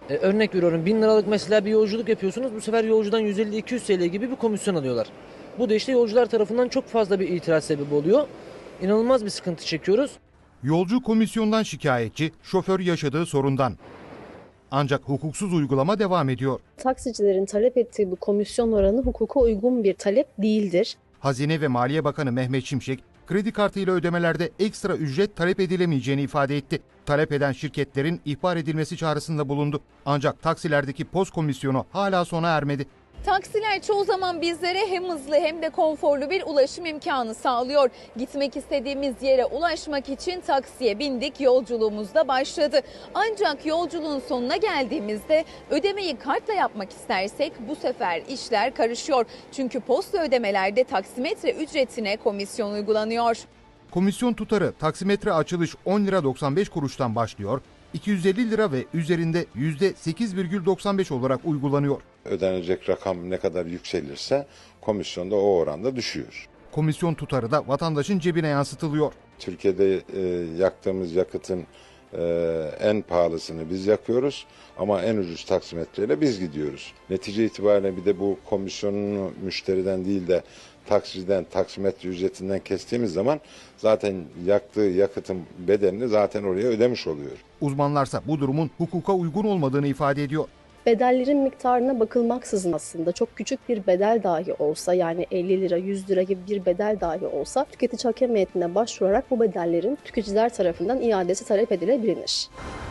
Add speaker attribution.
Speaker 1: Örnek veriyorum, 1000 liralık mesela bir yolculuk yapıyorsunuz. Bu sefer yolcudan 150-200 TL gibi bir komisyon alıyorlar. Bu da işte yolcular tarafından çok fazla bir itiraz sebebi oluyor. İnanılmaz bir sıkıntı çekiyoruz.
Speaker 2: Yolcu komisyondan şikayetçi, şoför yaşadığı sorundan. Ancak hukuksuz uygulama devam ediyor.
Speaker 3: Taksicilerin talep ettiği bu komisyon oranı hukuka uygun bir talep değildir.
Speaker 2: Hazine ve Maliye Bakanı Mehmet Şimşek, kredi kartıyla ödemelerde ekstra ücret talep edilemeyeceğini ifade etti. Talep eden şirketlerin ihbar edilmesi çağrısında bulundu. Ancak taksilerdeki post komisyonu hala sona ermedi.
Speaker 4: Taksiler çoğu zaman bizlere hem hızlı hem de konforlu bir ulaşım imkanı sağlıyor. Gitmek istediğimiz yere ulaşmak için taksiye bindik, yolculuğumuz da başladı. Ancak yolculuğun sonuna geldiğimizde ödemeyi kartla yapmak istersek bu sefer işler karışıyor. Çünkü posta ödemelerde taksimetre ücretine komisyon uygulanıyor.
Speaker 2: Komisyon tutarı taksimetre açılış 10 lira 95 kuruştan başlıyor. 250 lira ve üzerinde %8,95 olarak uygulanıyor.
Speaker 5: Ödenecek rakam ne kadar yükselirse komisyon da o oranda düşüyor.
Speaker 2: Komisyon tutarı da vatandaşın cebine yansıtılıyor.
Speaker 5: Türkiye'de yaktığımız yakıtın en pahalısını biz yakıyoruz ama en ucuz taksimetreyle biz gidiyoruz. Netice itibariyle bir de bu komisyonunu müşteriden değil de taksiciden, taksimetre ücretinden kestiğimiz zaman zaten yaktığı yakıtın bedelini zaten oraya ödemiş oluyor.
Speaker 2: Uzmanlarsa bu durumun hukuka uygun olmadığını ifade ediyor.
Speaker 3: Bedellerin miktarına bakılmaksızın aslında çok küçük bir bedel dahi olsa, yani 50 lira 100 lira gibi bir bedel dahi olsa tüketici hakem heyetine başvurarak bu bedellerin tüketiciler tarafından iadesi talep edilebilir.